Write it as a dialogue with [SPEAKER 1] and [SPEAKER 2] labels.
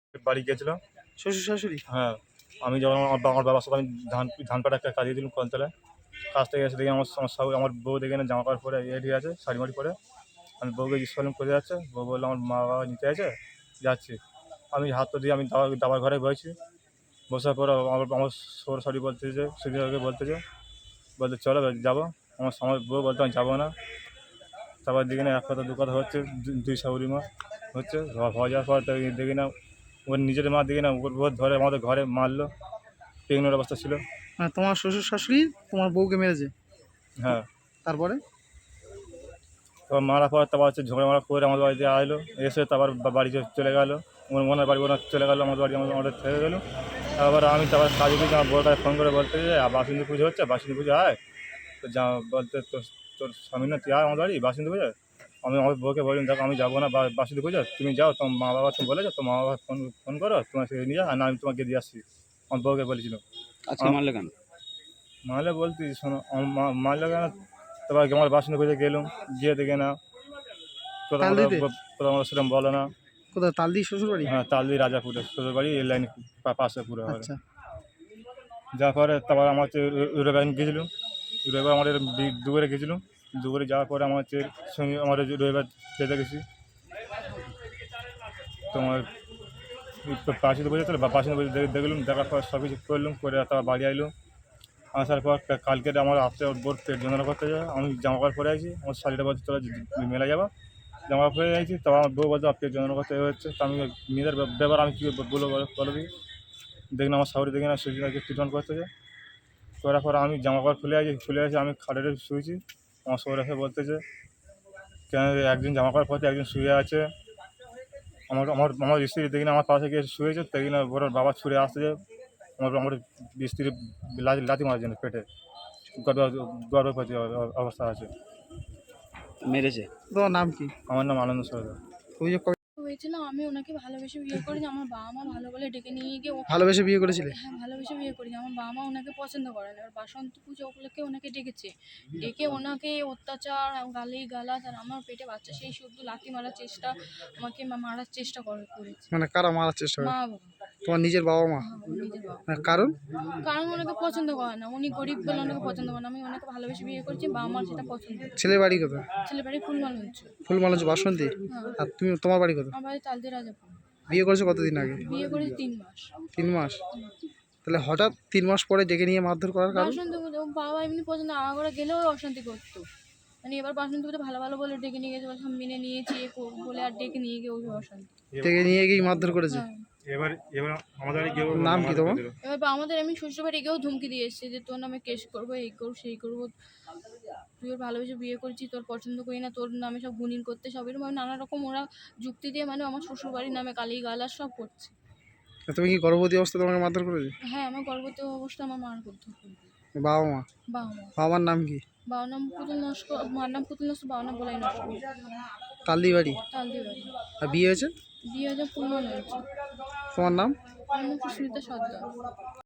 [SPEAKER 1] বাড়ি গিয়েছিলাম।
[SPEAKER 2] শ্বশুর শাশুড়ি?
[SPEAKER 1] হ্যাঁ, আমি যখন আমার বাবার সাথে আমি ধান কাটা একটা কাজে দিলাম কলতলায়। কাজ থেকে এসে দেখি আমার বউ দেখি না জামা কাপড় পরে রেডি আছে, শাড়ি-মাড়ি পরে। আমি বউকে জিজ্ঞেস করলাম কোথায় যাচ্ছে? বউ বলল আমার মা-বাবা নিতে আছে, যাচ্ছি। আমি হাত তো দিয়ে আমি দাবার ঘরে বসেছি। বসার পর আমার সরাসরি বলতেছে, সুবিধাকে বলতেছে, চলো যাবো। আমার বউ বলতে আমি যাবো না। তারপর দেখি না এক কথা দু কথা হচ্ছে, দুই শাশুড়ি মা হচ্ছে। হয়ে যাওয়ার পর দেখি না ওর নিজের মা দেখি না ওর ধরে আমাদের ঘরে মারলো। প্রেগনেন্ট অবস্থা ছিল।
[SPEAKER 2] মানে তোমার শ্বশুর শাশুড়ি তোমার বউকে মেরেছে?
[SPEAKER 1] হ্যাঁ।
[SPEAKER 2] তারপরে?
[SPEAKER 1] তারপর মারার পর তারপর হচ্ছে ঝগড়া মারা করে আমাদের বাড়িতে আসলো। এসে তারপর বাড়ি চলে গেলো। ওনার বাড়ি ওনার চলে গেলো, আমাদের বাড়ি আমাদের থেকে গেলো। তারপর আমি কাজে গিয়ে আমার বউটাকে ফোন করে বলতে যে বাসন্তী পুজো হচ্ছে, বাসন্তী পুজো আয়। তো বলতে তোর স্বামী না তুই আয় আমার বাড়ি বাসন্তী পুজো। আমি আমার বউকে বললাম দেখো আমি যাবো না বাসন্তী পুজো, তুমি যাও, তোমার মা বাবা তুমি বলেছো, তোমার মা বাবা ফোন করো, তোমার সে নিয়ে যাও, আর না আমি তোমাকে দিয়ে আসছি। আমার বউকে বলেছিলাম।
[SPEAKER 3] আজকে মারলে কেন?
[SPEAKER 1] মারলে বলতে শোনো মারলে কেন, তারপর আমার বাসন্তী পুজো গেলাম, গিয়ে দেখে না কোথাও আমরা সেরকম বলে না।
[SPEAKER 2] কোথায়? তালদি শ্বশুর বাড়ি?
[SPEAKER 1] হ্যাঁ, তালদি রাজাপুরে শ্বশুর বাড়ি, এই লাইন পাশে পুরো।
[SPEAKER 2] আচ্ছা।
[SPEAKER 1] যাওয়ার পরে তারপর আমার হচ্ছে রবিবার গেছিলাম। রবিবার আমাদের দুপুরে গেছিলাম। দুপুরে যাওয়ার পরে আমার হচ্ছে সঙ্গে আমার রবিবার যেতে গেছি তোমার পাশে বসে ছিল, পাশে বসে দেখলাম, দেখার পর সব কিছু করলাম, করে তারপর বাড়ি আইলাম। আসার পর কালকে আমার রাত্রে বোর পেট যন্ত্রণা করতে যায়, আমি জামা কাপড় পরে আছি, আমার শাড়িটা বলছে তোরা মেলা যাবো, জামা কাপড় পরে আছি। তখন আমার বউ বলছে পেট যন্ত্রণা করতে হচ্ছে। তো আমি মেয়েদের ব্যাপার আমি কী বলো দিই, দেখলাম আমার শাশুড়ি দেখি না সুজিনাকে ট্রিটমেন্ট করতেছে। করার পর আমি জামা কাপড় খুলে আসি, আমি খাটে শুয়েছি। আমার শোয়ার এসে বলতেছে কেন একজন জামা কাপড় পরতে একজন শুয়ে আছে। আমার আমার আমার স্ত্রী দেখি না আমার পাশে গিয়ে শুয়েছে, দেখি না ওর বাবা ছুঁড়ে আসতেছে আমার স্ত্রী লাথি মারার জন্য পেটে, গর্ভবতী অবস্থা আছে।
[SPEAKER 3] মেরেছে?
[SPEAKER 2] তোমার নাম কি?
[SPEAKER 1] আমার নাম আনন্দ সরকার।
[SPEAKER 2] অভিযোগ
[SPEAKER 4] হয়েছিল আমি ওনাকে ভালোবেসে বিয়ে করি, আমার বাবা মা ভালো বলে ডেকে নিয়ে গিয়ে
[SPEAKER 2] ভালোবেসে বিয়ে করেছিলে?
[SPEAKER 4] হ্যাঁ ভালোবেসে বিয়ে করি। আমার বাবা মা ওনাকে পছন্দ করে না। এবার বাসন্তী পুজো উপলক্ষে ওনাকে ডেকেছে, ডেকে ওনাকে অত্যাচার গালি গালাজ, আর আমার পেটে বাচ্চা সেই শুদ্ধ লাথি মারার চেষ্টা, আমাকে মারার চেষ্টা করেছে।
[SPEAKER 2] মানে কারা মারার চেষ্টা করে?
[SPEAKER 4] মা বাবা।
[SPEAKER 2] তোমার নিজের বাবা মা?
[SPEAKER 4] নিজের বাবা।
[SPEAKER 2] কারণ?
[SPEAKER 4] কারণ ওনাকে পছন্দ করে না, উনি গরিব বলে ওনাকে পছন্দ করে না। আমি ওনাকে ভালোবেসে বিয়ে করছি, বাবা মার সেটা পছন্দ।
[SPEAKER 2] ছেলের বাড়ি কোথায়?
[SPEAKER 4] ছেলে বাড়ি ফুলমালঞ্চ।
[SPEAKER 2] ফুলমালঞ্চ বাসন্তী?
[SPEAKER 4] হ্যাঁ।
[SPEAKER 2] আর তুমি তোমার বাড়ি কোথায়?
[SPEAKER 4] আমার বাড়ি তালদি রাজাপুর।
[SPEAKER 2] বিয়ে করেছো কতদিন আগে?
[SPEAKER 4] বিয়ে করেছি 3 মাস।
[SPEAKER 2] 3 মাস? তাহলে হঠাৎ 3 মাস পরে ডেকে নিয়ে মারধর করার কারণ?
[SPEAKER 4] বাসন্তী পুজো বাবা এমনি পছন্দ, আগাগোড়া গেলেও অশান্তি করতো। মানে এবার বাসন্তী পুজো ভালো ভালো বলে ডেকে নিয়ে গেছে, বলছে মেনে নিয়েছি বলে আর ডেকে নিয়ে গিয়ে ওই অশান্তি।
[SPEAKER 2] ডেকে নিয়ে গিয়ে মারধর করেছে?
[SPEAKER 4] হ্যাঁ।
[SPEAKER 1] এবার আমাদের
[SPEAKER 2] নাম কি তোমার?
[SPEAKER 4] এবার আমাদের আমি শ্বশুর বাড়ি গিয়েও ধমকি দিয়ে এসেছি যে তোর নামে কেস করবো, এই করবো সেই করবো, তুই ওর ভালোবেসে বিয়ে করছি, তোর পছন্দ করি না, তোর নামে সব গুণিন করতে সব এরকম নানা রকম ওরা যুক্তি দিয়ে মানে আমার শ্বশুর বাড়ির নামে গালি গালাজ সব করছে।
[SPEAKER 2] তুমি কি গর্ভবতী অবস্থায় তোমাকে মারধর করেছে?
[SPEAKER 4] হ্যাঁ, আমার গর্ভবতী অবস্থা আমার মার করতে হবে।
[SPEAKER 2] বাবা মা?
[SPEAKER 4] বাবা মা।
[SPEAKER 2] বাবা মার নাম কি?
[SPEAKER 4] বাবার নাম পুতুল নস্কর, মার নাম পুতুল নস্কর, বাবার নাম বলাই নস্কর।
[SPEAKER 2] তালদি বাড়ি?
[SPEAKER 4] তালদি বাড়ি।
[SPEAKER 2] আর বিয়ে হয়েছে?
[SPEAKER 4] বিয়ে হয়েছে ফুলমালঞ্চ।
[SPEAKER 2] তোমার নাম?
[SPEAKER 4] আমার নাম সুস্মিতা সর্দার।